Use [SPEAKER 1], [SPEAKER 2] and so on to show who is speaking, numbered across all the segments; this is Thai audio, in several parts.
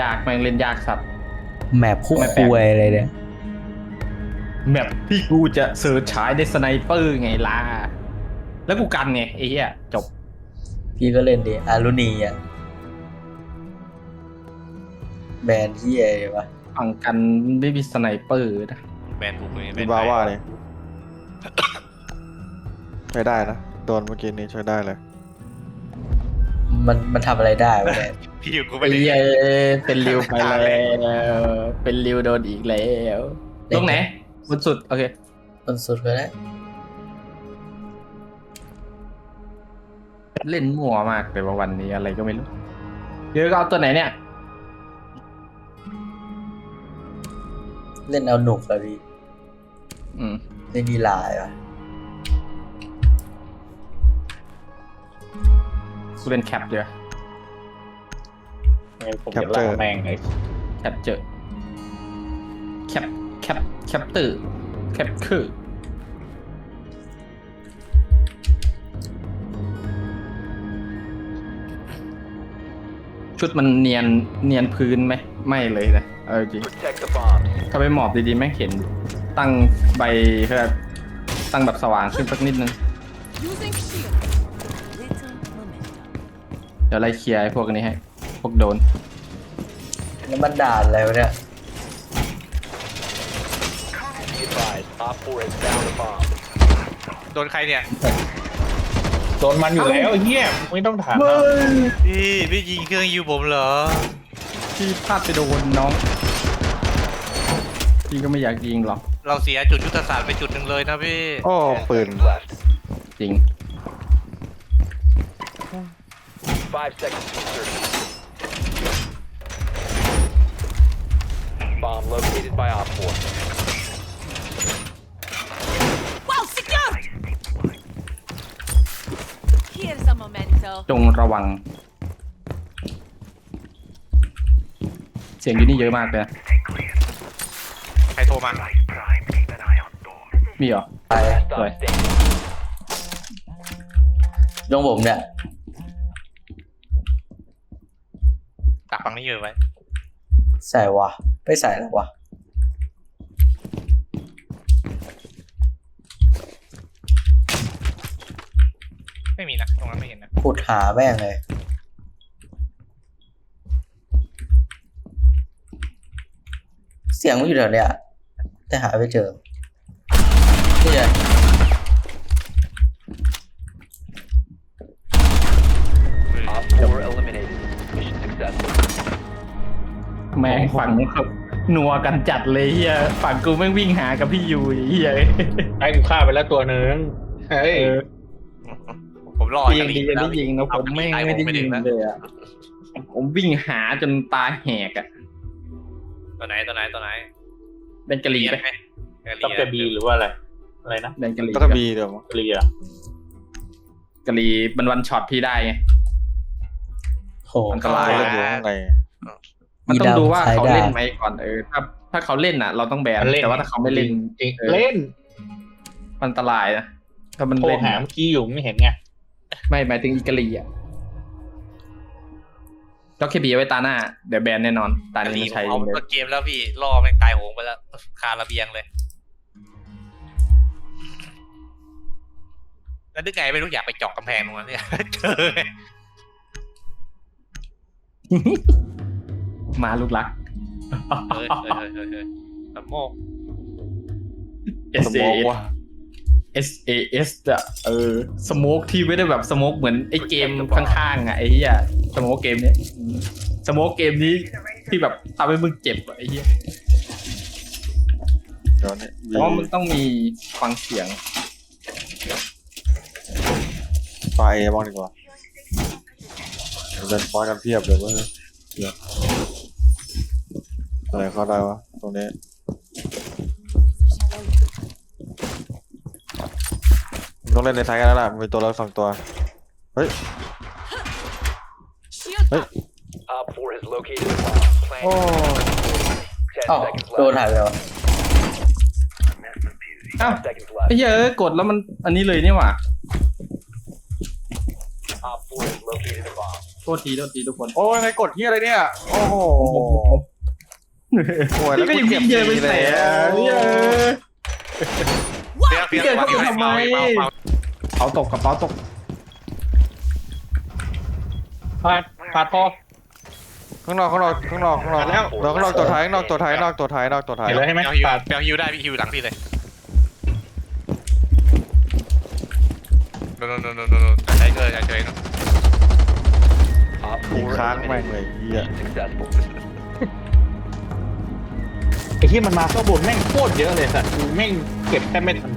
[SPEAKER 1] ากแม่งเล่นยากสัตว์
[SPEAKER 2] แมปคู่คุยอะไรเนี่ย
[SPEAKER 1] แมปที่กูจะเสิร์ชฉายในสไนเปอร์ไงล่ะแล้วกูกันไงไอ้เหี้ยจบ
[SPEAKER 2] พี่ก็เล่นดิอารุณีอ่ะแบรนด์ที่อะไรวะ
[SPEAKER 1] ฝั่งกันไม่มีสไนเปอร์นะ
[SPEAKER 3] แบนบุกเลย
[SPEAKER 4] มีบาว่าเลยใช้ได้นะโดนเมื่อกี้นี้ใช้ได้เลย
[SPEAKER 2] มันทำอะไรได้วะเนี่ย
[SPEAKER 3] พี่อยู่กูไป
[SPEAKER 1] ไอ้
[SPEAKER 3] ดิ
[SPEAKER 1] เหี้ยเป็นริวไปแล้วเป็นริวโดนอีกแล้วตรงไหนบนสุดโอเค
[SPEAKER 2] บนสุดก็ได้
[SPEAKER 1] เล่นมั่วมากแต่ว่าวันนี้อะไรก็ไม่รู้เดี๋ยวก็เอาตัวไหนเนี่ย
[SPEAKER 2] เล่นเอาหนุกเลยพี่เล่นดีลายวะ
[SPEAKER 1] กูเล่นแคปเยอะ
[SPEAKER 5] ผมจะล่าแม่งเลย
[SPEAKER 1] แคปเจอแคปตื่นแคปคือชุดมันเนียนพื้นไหมไม่เลยนะจริงถ้าไปหมอบดีๆแม่งเห็นตั้งใบเพื่อตั้งแบบสว่างขึ้นสักนิดนึงเดี๋ยวไล่เคลียร์ไอ้พวกนี้ให้พวกโดน
[SPEAKER 2] แล้วมันด่านอะไรวะเนี่ย
[SPEAKER 3] โดนใครเนี่ย
[SPEAKER 5] โดนมันอยู่แล้วเฮียไม่ต้องถาม
[SPEAKER 3] พี่ยิงเครื่องยูผมเหรอ
[SPEAKER 1] พี่พลาดไปโดนน้องพี่ก็ไม่อยากยิงหรอก
[SPEAKER 3] เราเสียจุดยุทธศาสตร์ไปจุดหนึ่งเลยนะพี่
[SPEAKER 4] โอ้ปืน
[SPEAKER 1] จริง
[SPEAKER 6] 5 seconds to insertion. Bomb located by Op 4.
[SPEAKER 7] Well secured. Here's a memento.
[SPEAKER 1] จงระวังเสียงอยู่นี่เยอะมากเลยนะ
[SPEAKER 3] ใครโทรมา
[SPEAKER 1] มีเหรอ
[SPEAKER 2] ไป
[SPEAKER 1] สวย
[SPEAKER 2] ยงผมเนี่ย
[SPEAKER 3] ตักฟังนี้เยอะไว้
[SPEAKER 2] ใส่วะไปใส่แล้ววะ
[SPEAKER 3] ไม่มีนะตรงนั้นไม่เห็นนะ
[SPEAKER 2] ขุดหาแม่งเลยเสียงมันอยู่แถวเนี้ยแต่หาไม่เจอนี่ไง
[SPEAKER 6] Op 4 eliminated. Mission successful.
[SPEAKER 1] แม่งฝั่งเขานัวกันจัดเลยเฮียฝั่งกูแม่งวิ่งหากับพี่ยูเฮีย
[SPEAKER 5] ไอ้กูฆ่าไปแล้วตัวนึงเฮ้ย
[SPEAKER 3] ผมรอ
[SPEAKER 1] ยิงดีได้ยิงนะผมไม่ได้ยิงเลยอ่ะผมวิ่งหาจนตาแหกอ่ะ
[SPEAKER 3] ตัวไหน
[SPEAKER 1] เป็นกะหรี่ไหม
[SPEAKER 5] ต้องกระบีหรือว่าอะไรนะ
[SPEAKER 1] เป็นกะหรี่
[SPEAKER 4] ต้องกระบีเดี๋ยว
[SPEAKER 5] กะหรี่อะ
[SPEAKER 1] กะหรี่มันวันช็อตพี่ได้ไง
[SPEAKER 2] โห
[SPEAKER 1] อันตรายเลยมันต้องดูว่าเขาเล่นไหมก่อนถ้าเขาเล่นอ่ะเราต้องแบนแต่ว่าถ้าเขาไม่เล่น
[SPEAKER 5] เล่น
[SPEAKER 1] อันตรายนะถ้ามัน
[SPEAKER 5] โทร
[SPEAKER 1] เล่น
[SPEAKER 5] หาเมื่อกี้อยู่ไม่เห็นไง
[SPEAKER 1] ไม่หมายถึงอีกะหรี่อ่ะล็อกเคบีไว้ตาหน้าเดี๋ยวแบนแน่นอนตานี้ใช้
[SPEAKER 3] เอาต้นเกมแล้วพี่ล่อแม่งตายโหงไปแล้วคาระเบียงเลยแล้วนึกไงไม่รู้อยากไปเจาะกำแพงตรงนั้นเนี่ยเจอ
[SPEAKER 1] มาลูกรัก
[SPEAKER 3] สมก
[SPEAKER 1] SAS อ่ะสโมกที่ไม่ได้แบบสโมกเหมือนไอ้เกมข้างๆอ่ะไอ้เหี้ยสโมกเกมเนี้ยสโมกเกมนี้ที่แบบทำให้มึงเจ็บอ่ะไอ้เหี้ยเพราะมันต้องมีฟังเสียง
[SPEAKER 4] ไฟบ้างดีกว่าเดินฟอยกันเพียบเลยว่าอะไรเข้าได้วะตรงนี้ต้องเล่นในไทยกันแล้วล่ะมีตัวเรา2 ตัวเฮ้ย
[SPEAKER 6] Op 4 has located a bomb.
[SPEAKER 2] โอ้โดนหายไปวะ
[SPEAKER 1] อ้าวไอ้เหี้ยกดแล้วมันอันนี้เลยนี่หว่าโทษทีทุกคน
[SPEAKER 4] โอ้ยใครกดที่อะไรเนี่ยโอ้โหโอ้ย
[SPEAKER 1] แล้
[SPEAKER 4] แล้ว ว
[SPEAKER 1] ก็
[SPEAKER 4] กู
[SPEAKER 1] ยัง
[SPEAKER 4] เก็
[SPEAKER 1] ยิ
[SPEAKER 4] บ
[SPEAKER 1] งเยอะไป
[SPEAKER 4] ดี
[SPEAKER 1] แส
[SPEAKER 4] แล้ว
[SPEAKER 1] เนี่ย
[SPEAKER 3] เปรี้ยว
[SPEAKER 1] เกิดเข้าไปทำไม
[SPEAKER 3] เปา
[SPEAKER 1] เป๋าตกกับเป๋าตก
[SPEAKER 5] พาทอ
[SPEAKER 4] ข้างนอกแล้วข้างนอกตัวท้ายข้างนอกตัวท้าย
[SPEAKER 5] เห็นแล้วใช่ไหม
[SPEAKER 3] เปรี้ยวฮิว
[SPEAKER 5] ปาด
[SPEAKER 3] เปรี้ยวฮิวได้พี่ฮิวหลังพี่เลยโนใช้เกินใช้เนาะ
[SPEAKER 6] Op
[SPEAKER 4] ยิง
[SPEAKER 6] 4
[SPEAKER 4] ค้างแม่ง
[SPEAKER 6] eliminated.
[SPEAKER 4] เลยเหี้ย
[SPEAKER 6] Successful.
[SPEAKER 5] ไอ้ที่มันมาเข้าบนแม่งโคตรเยอะเลยสัตว์กูแม่งเก็บแทบไม่ทัน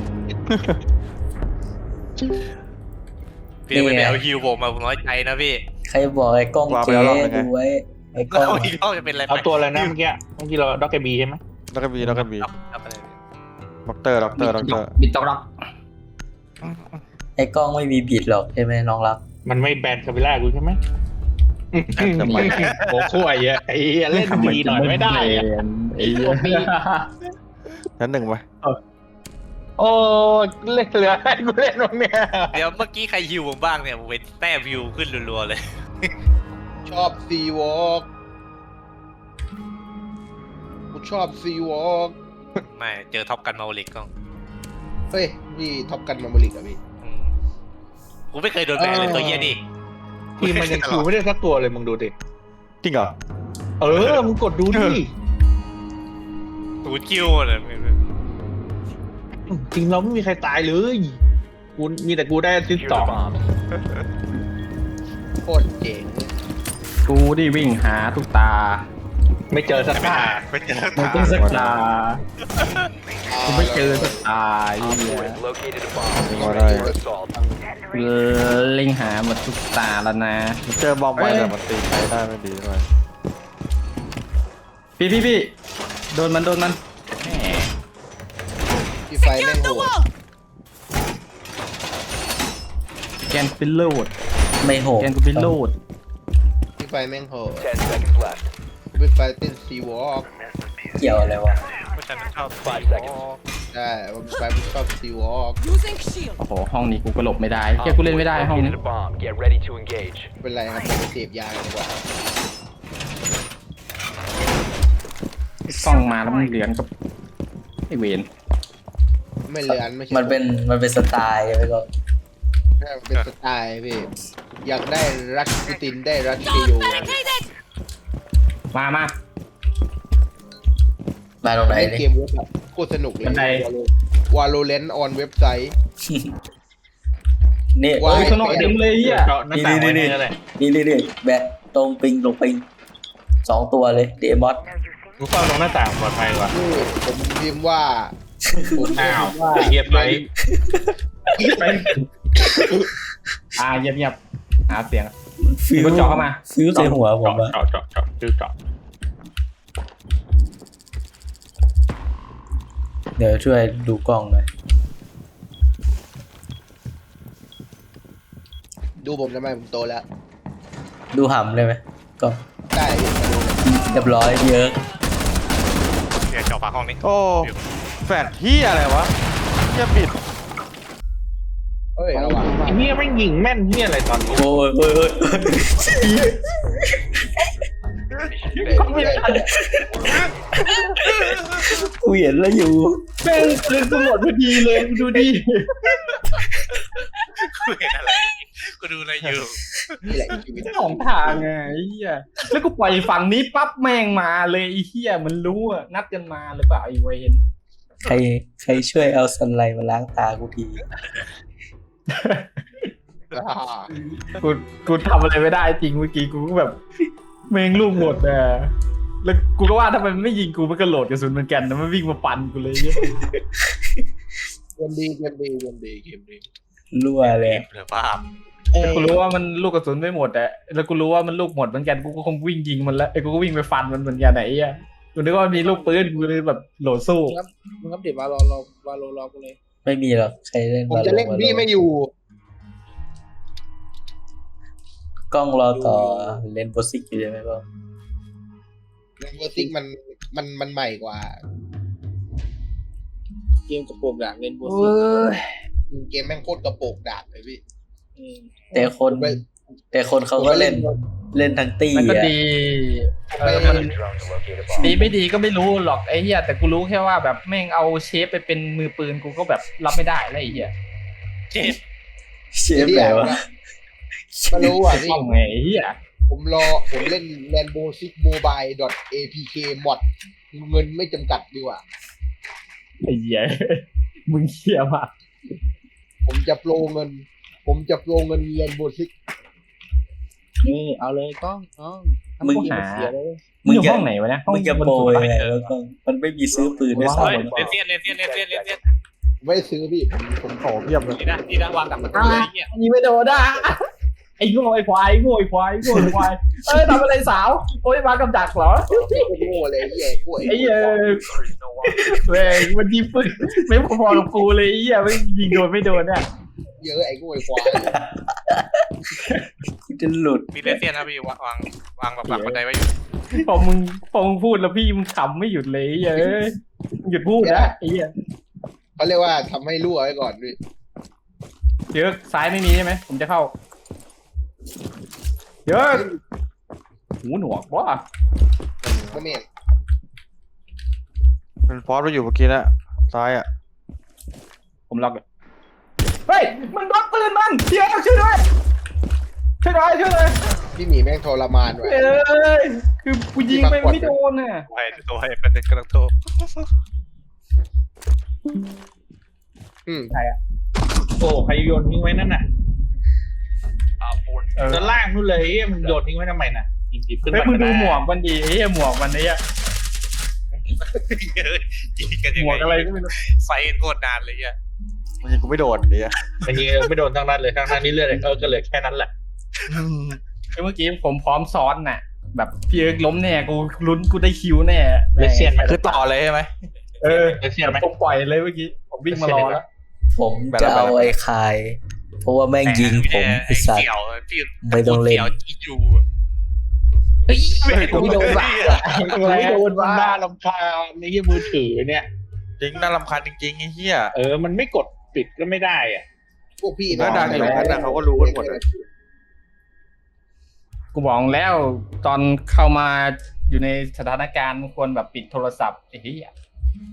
[SPEAKER 3] พี่ไม่ไปเอาฮิวผมมาผมน้อยใจนะพี่
[SPEAKER 2] ใครบอกไอ้กล้องเจ๊ดูไว้ไอ้กล้อง
[SPEAKER 3] แล้วอีกรอบจะเป็นอะไร
[SPEAKER 5] เอาตัวอะไรนะเมื่อกี้เราด็อกเกอร์บีใช่ไหม
[SPEAKER 4] แล้วก็บี
[SPEAKER 3] ครับอะไร
[SPEAKER 4] ด็อกเตอร์
[SPEAKER 1] บิดตกรัก
[SPEAKER 2] ไอ้กล้องไม่มีบิดหรอกใช่ไหมน้องรัก
[SPEAKER 5] มันไม่แบนคาเบล่ากูใช่ไหมโอ้โหไอ้เหี้ยไอ้เหี้ยเล่นดีหน่อยไม่ได้อะ
[SPEAKER 1] ไอ้เหี้ย
[SPEAKER 4] ชั้นหนึ่งไป
[SPEAKER 5] โอ้เล่นเหลือให้กูเล่นตรงเนี้ย
[SPEAKER 3] เดี๋ยวเมื่อกี้ใครฮิวผมบ้างเนี่ยผมเป็นแต้มฮิวขึ้นรัวๆเลย
[SPEAKER 8] ชอบซีวอล์กกูชอบซีวอล์ก
[SPEAKER 3] ไม่เจอท็อปกันมาโอลิกก็
[SPEAKER 8] เฮ้ยพี่ท็อปกันมาบริกอะพี่
[SPEAKER 3] กูไม่เคยโดนแบนเลยตัวเหี้ยนี่
[SPEAKER 5] ทีมมันยังคิวไม่ได้สักตัวเลยมึงดูดิ
[SPEAKER 4] จริงเหรอ
[SPEAKER 5] เออมึงกดดูดิ
[SPEAKER 3] ตูดคิวเลย
[SPEAKER 5] ทีมเราไม่มีใครตายเลยกูมีแต่กูได้ซิส
[SPEAKER 6] Secure
[SPEAKER 5] ต่อ
[SPEAKER 6] the bomb.
[SPEAKER 8] โคตรเจ๋ง
[SPEAKER 1] กูดิวิ่งหาทุกตา
[SPEAKER 5] ไม่เจอสักตา
[SPEAKER 3] ไม่เจอ
[SPEAKER 1] ไม่เจอสักตากูไม่เจอสักตาไอ้
[SPEAKER 6] Op
[SPEAKER 1] เหี้
[SPEAKER 6] 4
[SPEAKER 1] ย
[SPEAKER 6] has located a bomb.
[SPEAKER 4] Alright.
[SPEAKER 6] For assault.
[SPEAKER 1] เล็งหาหมดทุกตาแล้วนะ
[SPEAKER 4] เจอบอมไปแต่มันตีใครได้ไม่ดีด้วย
[SPEAKER 1] พี่โดนมันแหม
[SPEAKER 8] พี่ไฟแม่ง
[SPEAKER 7] Secure
[SPEAKER 8] โห
[SPEAKER 7] the
[SPEAKER 8] ด
[SPEAKER 7] wall!
[SPEAKER 1] แกนเป็นโลด
[SPEAKER 2] ไม่โหด
[SPEAKER 1] แกนกูเป็นโลด
[SPEAKER 8] พี่ไฟแม่งโหด
[SPEAKER 6] 10 seconds left.
[SPEAKER 8] พี่ไฟเต้นซีวอล์ก
[SPEAKER 2] เกี่ยวอะไรวะ
[SPEAKER 3] ผู้ชายชอบ
[SPEAKER 6] 5 seconds.
[SPEAKER 8] ได้พี่ไฟชอบซีวอล์ก
[SPEAKER 7] Using shield.
[SPEAKER 1] โอ้โหห้องนี้กูก็หลบไม่ได้แค่กูเล่นไม่ได้ห้องนี้
[SPEAKER 6] Located a bomb. Get ready to engage.
[SPEAKER 8] เป็นไรครับไปเสพยากันดีกว่า
[SPEAKER 1] กล้องมาแล้วมันเหลือนกับไอเวน
[SPEAKER 8] ไม่เลือนไม่ใช่
[SPEAKER 2] มันเป็นสไตล์ใช่ไหมก็
[SPEAKER 8] มันเป็นสไตล์พี่อยากได้รัชปูตินได้รัชเชโย
[SPEAKER 7] Don't barricade it!
[SPEAKER 1] มา
[SPEAKER 2] มาตรงไหน
[SPEAKER 8] เล่น
[SPEAKER 2] ดิ
[SPEAKER 8] เกมเว็บแบบโคตรสนุกเลย
[SPEAKER 1] บันได
[SPEAKER 8] วาโลเลนต์ออนเว็บไซต์
[SPEAKER 2] นี่
[SPEAKER 8] ว้า
[SPEAKER 1] เฮ้ยข้างนอกเต็มเลยอ่ะ
[SPEAKER 5] เจาะหน้าต่างไว้นี่อะไร
[SPEAKER 2] นี่แบะตรงปิง2 ตัวเลยเดมอส
[SPEAKER 5] มึงเฝ้าตรงหน้าต่างปลอดภัยกว่า
[SPEAKER 8] นี่ผมพิมพ์ว่าผมพิ
[SPEAKER 5] อ้าว
[SPEAKER 8] มพ์ว่า
[SPEAKER 5] เงียบไป
[SPEAKER 1] เงียบหาเสียง มันเจาะเข้ามา
[SPEAKER 2] ฟิวใส่หัวผมอะ
[SPEAKER 5] เจาะชื่อเจาะ
[SPEAKER 2] เดี๋ยวช่วยดูกล้องหน่อย
[SPEAKER 8] ดูผมทำไมผมโตแล้ว
[SPEAKER 2] ดูหำเลยไหมกล้อง
[SPEAKER 8] ได้พี่มาดูเลย
[SPEAKER 2] เรียบร้อยเยอะ
[SPEAKER 3] เดี๋ยวเจาะฝาห้องนี้
[SPEAKER 4] โอ้แฟดที่อะไรวะเหี้ยบิด
[SPEAKER 8] เฮ้ยระวัง
[SPEAKER 5] ไอ้เหี้ยไม่งยิงแม่นเหี้ยอะไรตอนนี้
[SPEAKER 2] โอ้ย
[SPEAKER 8] ไม่ได้
[SPEAKER 2] กูเห็นแล้วอยู่
[SPEAKER 1] แม่งปืนกูหมดพอดีเลยดูดิ
[SPEAKER 3] กูเห็นอะไรกูดูอะไรอยู่
[SPEAKER 8] นี่แหละชีวิต
[SPEAKER 1] สองทางไงไอ้เหี้ยแล้วกูปล่อยฝั่งนี้ปั๊บแม่งมาเลยไอ้เหี้ยมันรู้อะนัดกันมาหรือเปล่าไอ้เวน
[SPEAKER 2] ใครช่วยเอาสันไลมาล้างตากูที
[SPEAKER 1] กูทำอะไรไม่ได้จริงเมื่อกี้กูก็แบบแม่งลูกหมดอะแล้วกูก็ว่าถ้ามันไม่ยิงกูมันก็โหลดกระสุนเหมือนกันนะมันวิ่งมาฟันกูเลยเนี่ย
[SPEAKER 8] เกมดี
[SPEAKER 2] รั่วเลย
[SPEAKER 3] เหลือภาพ
[SPEAKER 1] กูรู้ว่ามันลูกกระสุนไม่หมดอะแล้วกูรู้ว่ามันลูกหมดเหมือนกันกูก็คงวิ่งยิงมันแล้วไอ้กูก็วิ่งไปฟันมันเหมือนกันไหนอะกูนึกว่ามีลูกปืนกูเลยแบบโหลดสู้
[SPEAKER 8] มึงครับเดี๋ยววาโลรอกูเลย
[SPEAKER 2] ไม่มีหรอกใครเล่น
[SPEAKER 8] ผมจะเล่นพี่ไม่อยู่
[SPEAKER 2] กล้องรอต่อเล่นโปรซิกอยู่ใช่ไหมก็
[SPEAKER 8] เล่นเวอร์ซิกมันใหม่กว่า เกมกระโปรงดาบเล่นเวอร์ซิกเกมแม่งโคตรกระโปรงดาบเลยพี่
[SPEAKER 2] แต่คนเขาก็เล่นเล่นทั้งตี
[SPEAKER 1] มันก็
[SPEAKER 2] อ่ะ
[SPEAKER 1] ดีมัน
[SPEAKER 6] Drone to locate a bomb.
[SPEAKER 1] ดีไม่ดีก็ไม่รู้หรอกไอ้เหี้ยแต่กูรู้แค่ว่าแบบแม่งเอาเชฟไปเป็นมือปืนกูก็แบบรับไม่ได้แล้วไอ้เหี้ย
[SPEAKER 3] เจ็บ
[SPEAKER 2] เชฟแบบว่า
[SPEAKER 8] ไม่รู้อ่ะพี่
[SPEAKER 1] ต้องไงไอ้เหี้ย
[SPEAKER 8] ผมเล่น Rainbow Six Mobile .apk mod เงินไม่จำกัดดีกว่า
[SPEAKER 1] ไอ้เหี้ยมึงเหี้ยมาก
[SPEAKER 8] ผมจะโปรเงิน Rainbow Six
[SPEAKER 5] นี่เอาเลยกล้อง
[SPEAKER 2] มึง
[SPEAKER 1] หา
[SPEAKER 5] เสียเลย
[SPEAKER 1] มึงอยู่ห้องไหนวะเนี่ย
[SPEAKER 2] มึงจะโปรยไงแล้วก็มันไม่มีซื้อปืนด้วย
[SPEAKER 3] เฮ้ย
[SPEAKER 2] ซ้ำ
[SPEAKER 3] เลนเซียนเลนเซียนเลนเซียนเลนเซียน
[SPEAKER 8] ไม่ได้ซื้อพี่ผม
[SPEAKER 4] โอ้เพียบเลย
[SPEAKER 3] นี่นะวางกับประตูเลยไอ้เหี้ย
[SPEAKER 1] ยิงไม่โดนอ่ะไอ้โง่ไอ้ควายโง่ไอ้ควายโง่ไอ้ควายทำอะไรสาวโอ้ยมากับดักเหรอ
[SPEAKER 8] โง่เลยไอ้เหี้ยกล้วย
[SPEAKER 1] ไอ้เหี้ยแม่งมันยิงปืนไม่พอๆกับกูเลยไอ้เหี้ยไม่ยิงโดนไม่โดนเนี่ย
[SPEAKER 8] เยอะไอ้กล้วยควาย
[SPEAKER 2] กูจะหลุด
[SPEAKER 3] มีเลนเซียนนะพี่วางแบบหลังบันไดไว้อยู่
[SPEAKER 1] พอมึงพูดแล้วพี่มึงขำไม่หยุดเลยไอ้เหี้ยเอ้ยหยุดพูดนะไอ้เหี้ย
[SPEAKER 8] เขาเรียกว่าทำให้รั่วไว้ก่อนพี่
[SPEAKER 1] เยอะซ้ายไม่มีใช่ไหมผมจะเข้าเยอะหูหนวกวะ
[SPEAKER 8] ไม่เมน
[SPEAKER 4] เป็นฟอสไปอยู่เมื่อกี้นะซ้ายอ่ะ
[SPEAKER 1] ผมล็อกเลยเฮ้ยมันล็อกปืนมันเดี๋ยวช่วยด้วยช่วยด้วย
[SPEAKER 8] พี่หมีแม่งทรมานว่ะ
[SPEAKER 1] เอ้ยคือกูยิงไปไม่โดนน่ะ
[SPEAKER 3] ตัวให้เป็นกำลังโทร
[SPEAKER 1] ใครอ่ะ
[SPEAKER 5] โอ้ใครโยนทิ้งไว้นั่นน่ะ
[SPEAKER 1] เออ
[SPEAKER 5] ด้านล่างนู่นเลยเอ้ยมันโยนทิ้งไว้ทำไมน่ะหยิบขึ้น
[SPEAKER 1] เฮ้ย
[SPEAKER 5] มา
[SPEAKER 1] มึงดูหมวกมันดีไอ้เหี้ยหมวกมันเนี่ย
[SPEAKER 3] ยิงกันยัง
[SPEAKER 1] หมวกอะไร
[SPEAKER 3] ไง
[SPEAKER 1] ก็ไม่รู้
[SPEAKER 3] ไฟโคตรนานเลยอ่ะ
[SPEAKER 4] มันยิงกูไม่โดนเนี่ย
[SPEAKER 5] แต่ยิงไม่โดนทั้งนั้นเลยทั้งนั้นนี่เลือดก็เลยแค่นั้นแหละ
[SPEAKER 1] เมื่อกี้ผมพร้อมซ้อนน่ะ แบบพี่เอิร์กล้มแน่กูลุ้นกูได้คิวแน่
[SPEAKER 5] เลเซียนไหม
[SPEAKER 4] คือต่อเลยใช่ไหม
[SPEAKER 1] เออ
[SPEAKER 5] เลเซียนไหม
[SPEAKER 1] ผมปล่อยเลยเมื่อกี้ผมวิ่งมารอแล้ว
[SPEAKER 2] ผมจะเอาไอ้คาย เพราะว่าแม่งยิงผมไอ้สัตว์
[SPEAKER 3] เสี่ยวพี่
[SPEAKER 2] ไม่ต้องเล่น
[SPEAKER 3] เสี่ยวอีจู
[SPEAKER 1] กูไม่โดนบ้ากูไม่โดนบ้า
[SPEAKER 5] น่ารำคาญในที่มือถือเนี่ย
[SPEAKER 4] จริงน่ารำคาญจริงๆไอ้เหี้ย
[SPEAKER 5] มันไม่กดปิดก็ไม่ได้อ่ะ
[SPEAKER 8] พวกพี่
[SPEAKER 4] แล้วดังอยู่นั้นนะเขาก็รู้กันหมดเลย
[SPEAKER 1] กูบอกแล้วตอนเข้ามาอยู่ในสถานการณ์ควรแบบปิดโทรศัพท์ไอ้เหี้ย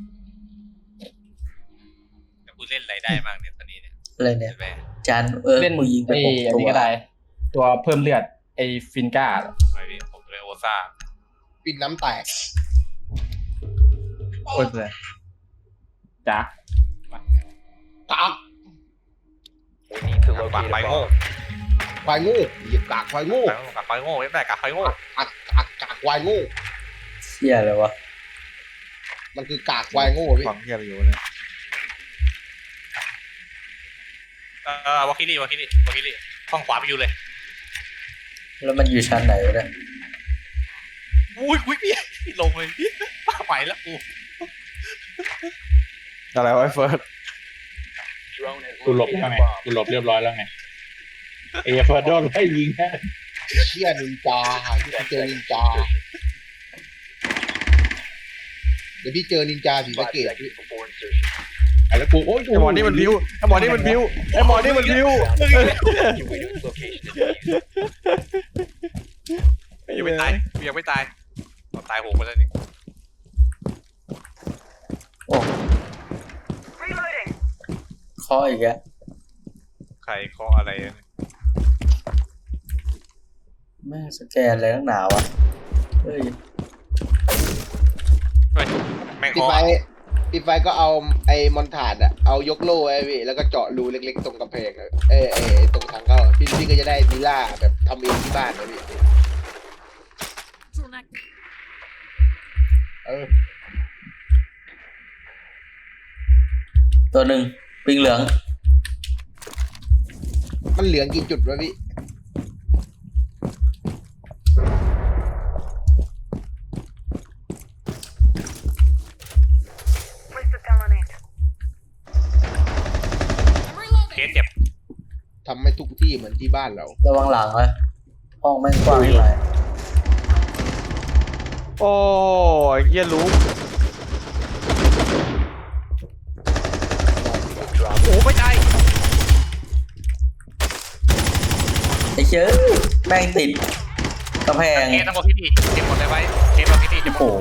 [SPEAKER 3] กูเล่นอะไรได้บ้างเนี่ยตอนนี้เนี่ย
[SPEAKER 2] อะไรเนี่ย
[SPEAKER 3] แม่
[SPEAKER 2] จาน
[SPEAKER 1] เล่น
[SPEAKER 2] กูยิงไป
[SPEAKER 1] ไอ้
[SPEAKER 2] 6
[SPEAKER 1] อัน
[SPEAKER 2] ตัว
[SPEAKER 1] นี้ก็ได้ ตัวเพิ่มเลือดไอ้ฟินก้า
[SPEAKER 3] ไม่พี่ผมเลยโอซ่า
[SPEAKER 8] ปิดน้ำแตก
[SPEAKER 1] โอ้ยเลยจ้ะ
[SPEAKER 8] กาก
[SPEAKER 6] We need to
[SPEAKER 3] ปาก
[SPEAKER 6] locate
[SPEAKER 3] ไฟ
[SPEAKER 6] a
[SPEAKER 3] โง่
[SPEAKER 6] bomb.
[SPEAKER 8] ควายโง่เหยียบกากควายโง่
[SPEAKER 3] ปากไฟโง่ไม่ได้กากไฟโง่
[SPEAKER 8] กากควายโง่
[SPEAKER 2] เชี่ยเลยวะ
[SPEAKER 8] มันคือกากควายโง่พี่
[SPEAKER 4] ฟังเหี้ยอะไรอยู่เนี่ย
[SPEAKER 3] วาคิลี่ห้องขวาไปอยู่เลย
[SPEAKER 2] แล้วมันอยู่ชั้นไหนวะเนี่ย
[SPEAKER 3] อุ้ยพี่ลงเลยพี่ไปแล้วกู
[SPEAKER 4] อะไรวะไอ้เฟิร์ส
[SPEAKER 6] Drone has
[SPEAKER 5] กูหลบ
[SPEAKER 6] located
[SPEAKER 5] แล้วไง
[SPEAKER 6] a bomb.
[SPEAKER 5] กูหลบเรียบร้อยแล้วไงเอฟโดนไล่ยิงแค่
[SPEAKER 8] เชี่ยนินจาที่เจอนินจา เดี๋ยวพี่เจอนินจาสีสะ
[SPEAKER 6] 5
[SPEAKER 8] เกต
[SPEAKER 6] seconds before insertion.
[SPEAKER 5] แล้วกูโอ้ย
[SPEAKER 4] ไอ้หมอนี่มันพิ้วไอ้หมอนี่มันพิ้ว
[SPEAKER 6] Evacuate its location and defuse.
[SPEAKER 3] ยังไม่ตายตายโหงไปแล้วนี่
[SPEAKER 2] โอ้ข้ออีกอะ
[SPEAKER 3] ใครเคาะอะไร
[SPEAKER 2] แม่งสแกนอะไรตั้งหนาวะเฮ้ย
[SPEAKER 3] แม่ง
[SPEAKER 8] ปิด
[SPEAKER 3] เคาะ
[SPEAKER 8] ไฟก็เอาไอ้มอนถาดอะเอายกโล่ไว้พี่แล้วก็เจาะรูเล็กๆตรงกำแพงอะตรงทางเข้าพี่ก็จะได้วิลล่าแบบทำเองที่บ้านนะพี่
[SPEAKER 2] ตัวหนึ่งปิงเหลือง
[SPEAKER 8] มันเหลืองกี่จุดวะพี่
[SPEAKER 3] เคสเจ็บ
[SPEAKER 8] ทำให้ทุกที่เหมือนที่บ้านเรา
[SPEAKER 2] ระวังหลังนะห้องแม่งกว้างไป
[SPEAKER 4] โอ้ยเหี้ยรู้
[SPEAKER 3] โอ้ไม่ตาย
[SPEAKER 2] ไอ้เชื่อแม่งติดกระแพง
[SPEAKER 3] เคสทั้งหมดที่นี่เก็บหมดเลยไว้เคสทั้งหมดที่นี่จะหม
[SPEAKER 2] โอ้
[SPEAKER 3] ด
[SPEAKER 2] โห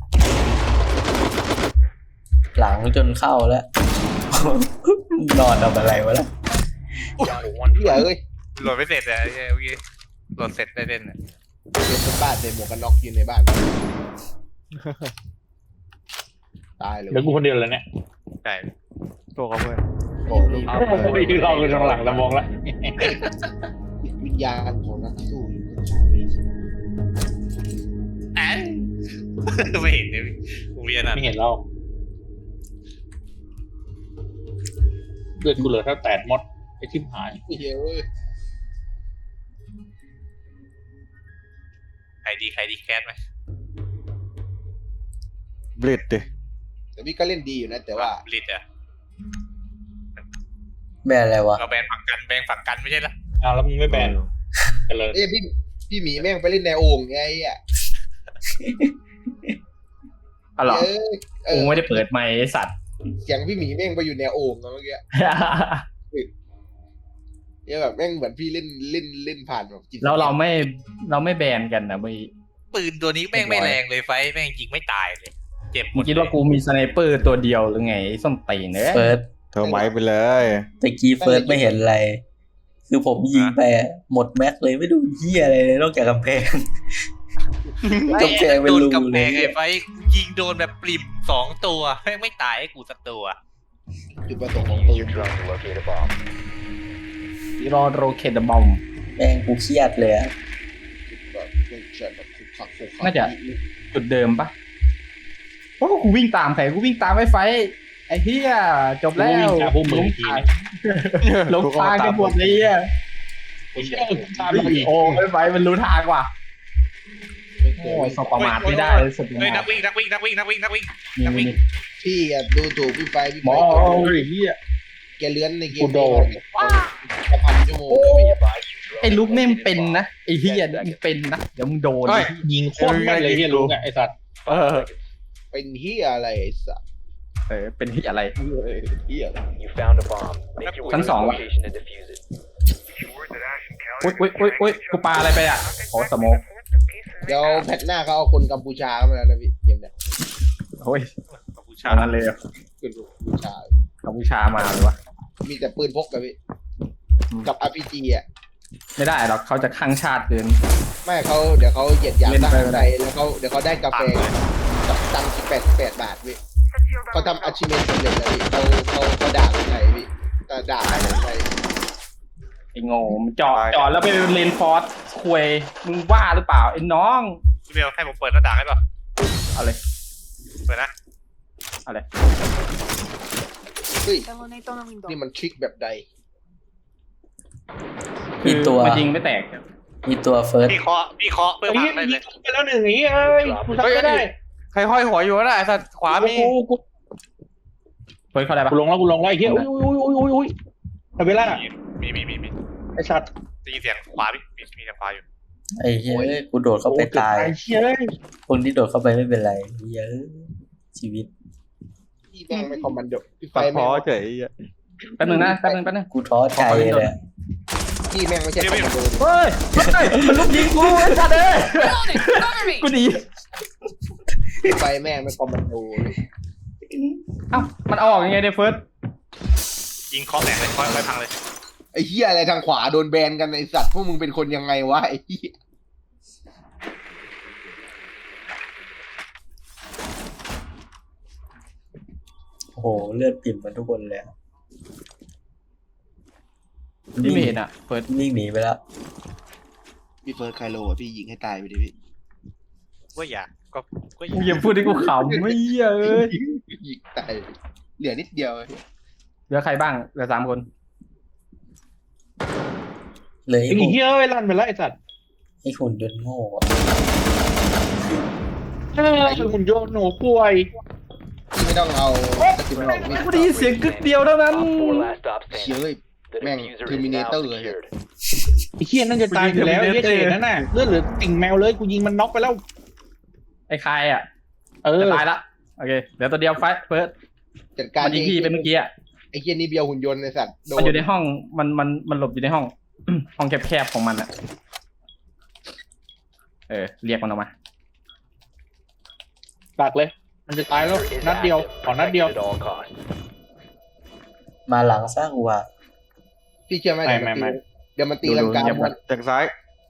[SPEAKER 2] หลังจนเข้าแล้ว นอนทำอะไรวะล่ะ
[SPEAKER 6] Down to one
[SPEAKER 8] เหี้ยเอ้ย
[SPEAKER 3] โหลดไม่เสร็จเลยเมื่อกี้โหลดเสร็จได้เล่นเนี่ย
[SPEAKER 8] เดินบนบ้านใส่หมวกกันน็อกยืนในบ้าน ตายเลย
[SPEAKER 5] เดี๋ยวกูคนเดียวเลยเนี่ย
[SPEAKER 3] ใช่
[SPEAKER 4] ตัวเขาเพื่อน
[SPEAKER 8] โอ้โห
[SPEAKER 5] ที่เราคือทางหลังตะมองละ
[SPEAKER 8] วิญญาณของนักสู้
[SPEAKER 3] แอนไม่เห็นเลยกูเรียนอ่ะ
[SPEAKER 5] ไม่เห็นเราเลือดกูเหลือเท่าแตดมดไอ้ทิพหาย
[SPEAKER 8] เหี้ยเอ้ย
[SPEAKER 3] ใครดีแคสไหม
[SPEAKER 4] บลิดดิ
[SPEAKER 8] แต่พี่ก็เล่นดีอยู่นะแต่ว่า
[SPEAKER 3] ลิดอ่ะ
[SPEAKER 2] แบนอะไรวะ
[SPEAKER 3] เราแบนฝั่งกันไม่ใช่เหรอ
[SPEAKER 5] เอาแล้วมึงไม่แบนกันเลย
[SPEAKER 8] เอ้ยพี่หมีแม่งไปเล่นในโอ่งไงไอ่ะ
[SPEAKER 1] อ๋อเหรอ
[SPEAKER 8] เอ
[SPEAKER 1] กู
[SPEAKER 8] อ
[SPEAKER 1] ไม่ได้เปิดไมค์ไอ้สัตว์
[SPEAKER 8] เสียงพี่หมีแม่งไปอยู่ในโอ่งอะเมื่อกี้เนี่ยแบบแม่งเหมือนพี่เล่นผ่านแบบจิต
[SPEAKER 1] แล้วเราไม่แบนกันนะเมื่อกี้
[SPEAKER 3] ปืนตัวนี้แม่งไม่แรงเลยไฟแม่งยิงไม่ตายเลยเจ็บหม
[SPEAKER 1] มึ
[SPEAKER 3] ด
[SPEAKER 1] งคิดว่ากูมีสไนเปอร์ตัวเดียวหรือไงไอ้ส้มตีนเนอะ
[SPEAKER 2] เฟิร์ส
[SPEAKER 4] เธอไม้ไปเลย
[SPEAKER 2] ตะกี้เฟิร์สไม่เห็นอะไร คือผมยิงไปอะหมดแม็กเลยไม่ดูเหี้ยอะไรเลยนอกจากกำแพง กำแพงเป็น
[SPEAKER 3] โดน
[SPEAKER 2] รู
[SPEAKER 3] กำแพ
[SPEAKER 2] เลย
[SPEAKER 3] งไอ้ไฟยิงโดนแบบปริ่ม2 ตัวแม่งไม่ตายให้กูสักตัว
[SPEAKER 8] จุดประสงค์ของปื
[SPEAKER 6] Use
[SPEAKER 8] น
[SPEAKER 6] your drone to locate a bomb.
[SPEAKER 1] รอโรเคตบอม
[SPEAKER 2] แม่งกูเครียดเลยอะ
[SPEAKER 8] แบบเล่นเชิญแบบขุกขัก
[SPEAKER 1] น่าจะ จุดเดิมปะโอ้กูวิ่งตามใครกูวิ่งตามไฟไอ้เหี้ยจบแล้ว
[SPEAKER 5] วิ่งจากพวกมึงอีกทีนะ
[SPEAKER 1] หลงทางกันหมดเลยอ่ะ
[SPEAKER 5] ไอ้เชี่ยตามมาอีก
[SPEAKER 1] โอ้ไฟมันรู้ทางว่ะ
[SPEAKER 8] ไม่เค
[SPEAKER 1] โอ้
[SPEAKER 8] ย
[SPEAKER 1] ยสบประมาทไม่ได้เลยสุด
[SPEAKER 3] เฮ้ย
[SPEAKER 1] ย
[SPEAKER 3] นั
[SPEAKER 1] อก ด
[SPEAKER 3] วิ่ง
[SPEAKER 1] นี่
[SPEAKER 8] พี่อะดูถูกพี่ไฟ
[SPEAKER 5] หมอไอ้เหี้ย
[SPEAKER 8] แกเลื้อนในเก
[SPEAKER 5] กู
[SPEAKER 8] ม
[SPEAKER 5] โดน
[SPEAKER 8] จะพันชั่วโมง
[SPEAKER 6] Be advised, your drone
[SPEAKER 1] ไอ้ลุก
[SPEAKER 6] has
[SPEAKER 1] แม่ง
[SPEAKER 6] located a
[SPEAKER 1] เป็น
[SPEAKER 6] bomb.
[SPEAKER 1] นะไอ้เหี้ยมึงเป็นนะเดี๋ยวมึงโดน
[SPEAKER 4] เฮ้ย
[SPEAKER 5] ยิงโคตรแม่นเลยเฮียรู้ไงไอ้สัตว์
[SPEAKER 4] เออ
[SPEAKER 8] เป็นเฮียอะไรไอ้สัส
[SPEAKER 1] เป็นที่อะไร
[SPEAKER 8] เฮีย
[SPEAKER 6] You found a bomb. Make your way to
[SPEAKER 1] Sẵn
[SPEAKER 6] the
[SPEAKER 1] sàng ạ.
[SPEAKER 6] location and defuse it.
[SPEAKER 1] อุ้ยกูปาอะไรไปอ่ะโอ้สโมก
[SPEAKER 8] เดี๋ยวแพทหน้าเขาเอาคนกัมพูชาเข้ามาแล้วนะพี่เกมเนี้ย
[SPEAKER 1] โอ้ย
[SPEAKER 3] ผู้
[SPEAKER 1] ชา
[SPEAKER 3] ชาย
[SPEAKER 1] นั้นเลยเหรอ
[SPEAKER 8] คนกัมพูชา
[SPEAKER 1] กัมพูชามาเลยวะ
[SPEAKER 8] มีแต่ปืนพกกับพี่
[SPEAKER 1] อืม
[SPEAKER 8] กับ RPG อ่ะ
[SPEAKER 1] ไม่ได้หรอกเขาจะข้างชาติเกิน
[SPEAKER 8] ไม่เขาเดี๋ยวเขาเหยียดหยาม
[SPEAKER 1] เล่น
[SPEAKER 8] ท
[SPEAKER 1] ไป
[SPEAKER 8] หาร
[SPEAKER 1] ก็
[SPEAKER 8] ไท
[SPEAKER 1] ได้
[SPEAKER 8] ยแล้วเขาเดี๋ยวเขาได้กาแฟกับตังค์18 บาทพี่เขาทำอาชีพสำเร็จแล้วพี่เขาด่าคนไทยพี่ด่าคนไทย
[SPEAKER 1] ไอ้โง่มันจอดแล้วไปเลนฟอร์สคุยมึงว่าหรือเปล่าไอ้น้อง
[SPEAKER 3] พี่เบลให้ผมเปิดหน้าต่างให้ป่ะ
[SPEAKER 1] เอาเลย
[SPEAKER 3] เปิดนะ
[SPEAKER 1] เอาเลย
[SPEAKER 8] เฮ้ยนี่มันทริคแบบใด
[SPEAKER 2] มีตัว
[SPEAKER 1] มันยิงไม่แตก
[SPEAKER 2] มีตัวเฟิร์ส
[SPEAKER 3] พี่เคาะเพื่อ
[SPEAKER 5] ไอ้
[SPEAKER 3] พั
[SPEAKER 5] เหี้
[SPEAKER 3] ง
[SPEAKER 5] ย
[SPEAKER 3] ได้เลย
[SPEAKER 5] ยิงไปแล้วหนึ่งไอ้เหี้ยเอ้ยกูทำไม่ได้
[SPEAKER 4] ใครห้อยหัวอยู่วะน่ะไอ้สัตว์ขวามี
[SPEAKER 1] กูเปิดเข้าได้ปะ
[SPEAKER 5] กูลงแล้วไอ้เหี้ยอุ้ยทำเวลา
[SPEAKER 3] มี
[SPEAKER 5] ไอ้สัตว์
[SPEAKER 3] ได้ยินเสียงขวาพี่มีเสียงขวาอยู่
[SPEAKER 2] ไอ้เหี้ยกูโดดเข้าไปตาย
[SPEAKER 5] ไอ้เหี้ยเอ้ย
[SPEAKER 2] คนที่โดดเข้าไปไม่เป็นไรเหี้ยชีวิต
[SPEAKER 8] พี่แม่งไม่คอมมานโดพี่ไฟ
[SPEAKER 4] ตัด
[SPEAKER 8] แม่
[SPEAKER 4] พ้อง เฉย
[SPEAKER 1] แป๊บนึงนะแป๊บนึง
[SPEAKER 2] กูท้อใจเลยอะ
[SPEAKER 8] พี่แม่งไม่ใช่คอมมานโด
[SPEAKER 1] เฮ้ยมันลุกยิงกูไอ้สัตว์เอ้ย
[SPEAKER 7] Reloading! Cover me!
[SPEAKER 1] กูดี
[SPEAKER 8] พี่ไฟแม่งไม่คอมมานโดเลย
[SPEAKER 1] เอ้ามันเอาออกยังไงเนี่ยเฟิร์ส
[SPEAKER 3] ยิงเคาะแตกเลยเคาะไปพังเลย
[SPEAKER 8] ไอ้เหี้ยอะไรทางขวาโดนแบนกันไอ้สัตว์พวกมึงเป็นคนยังไงวะไอ้เหี้ย
[SPEAKER 2] โอ้โหเลือดปิ่มมาทุกคนเลยอะ
[SPEAKER 1] นี่ไม่เห็นอ่ะเฟิร์ส
[SPEAKER 2] วิ่งหนีไปแล้ว
[SPEAKER 8] พี่เฟิร์สไคโลอ่ะพี่ยิงให้ตายไปดิพี่
[SPEAKER 3] ก็อยากก็อ
[SPEAKER 1] มึง
[SPEAKER 3] ยาก
[SPEAKER 1] อย่าพูดให้กูขำไม่เหี้ยเอ้ย
[SPEAKER 8] ยิงตายเหลือนิดเดียว
[SPEAKER 1] เหลือใครบ้างเหลือ3 คน
[SPEAKER 2] เลย
[SPEAKER 5] ไอ้เหี้ยเอ้ยลั่นไปแล้วไอ้สัตว์
[SPEAKER 2] ไอ้หุ่นยนต์โง่อะ
[SPEAKER 5] หุ่นยนต์หนูป่วย
[SPEAKER 8] พี่ไม่ต้องเอาสกิลหรอกพี่
[SPEAKER 1] กูได้ยินเสียงกึกเดียวเท่านั้น
[SPEAKER 6] Op 4 last stop
[SPEAKER 8] เชี่ย
[SPEAKER 6] standing.
[SPEAKER 8] เลย
[SPEAKER 6] The
[SPEAKER 8] Man,
[SPEAKER 6] diffuser is now
[SPEAKER 8] Terminator
[SPEAKER 6] secured.
[SPEAKER 5] ไอ้เหี้ยนั่นจะตายอยู่แล้วไอ้เหี้ยเคนั่นน่ะเลือดเหลือติ่งแมวเลยกูยิงมันน็อกไปแล้ว
[SPEAKER 1] ไอ้คายอ่ะ
[SPEAKER 5] เออ
[SPEAKER 1] จะตายละโอเคเหลือตัวเดียวไฟเฟิร์ส
[SPEAKER 8] จัดการ
[SPEAKER 1] มันยิงพี่ไปเมื่อกี้อ่ะ
[SPEAKER 8] ไอ้เหี้ยนี่เบียวหุ่นยนต์ไอ้สัตว์โด
[SPEAKER 1] มันอยู่ในห้องมันหลบอยู่ในห้อง ห้องแคบๆของมันอ่ะเรียกมันออกมา
[SPEAKER 5] ดักเลย มันจะตายแล้ว
[SPEAKER 6] Is
[SPEAKER 5] นัดเดียว
[SPEAKER 6] active.
[SPEAKER 5] ขอนัดเดียว
[SPEAKER 6] Protected at all costs.
[SPEAKER 2] มาหลังสร้างว่า
[SPEAKER 8] พี่เชื่อไหม
[SPEAKER 5] ไม่
[SPEAKER 8] เดี๋ยวมันตีลังกา
[SPEAKER 1] ดู
[SPEAKER 8] หมด
[SPEAKER 4] แทงซ้าย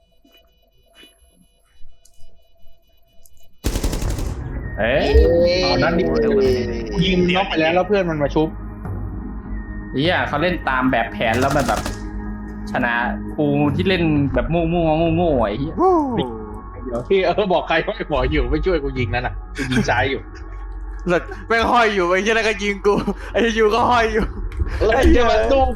[SPEAKER 1] เอ้ย
[SPEAKER 5] เอานัดเดียวยิงน็อกไปแล้วเพื่อนมันมาชุบ
[SPEAKER 1] เฮียเขาเล่นตามแบบแผนแล้วมันแบบ ชนะกูที่เล่นแบบมั่วๆโง่ๆไอ้เหี้ย
[SPEAKER 5] เดี๋ยวที่บอกใครว่าไอ้หมออยู่ไม่ช่วยกูยิงนั่นน่ะกูยิงซ้ายอยู่
[SPEAKER 4] หลักแม่งห้อยอยู่ไอ้เหี้ยแล้วก็ยิงกูไอ้ยูก็ห้อยอยู่
[SPEAKER 5] แล้วจะมาสู้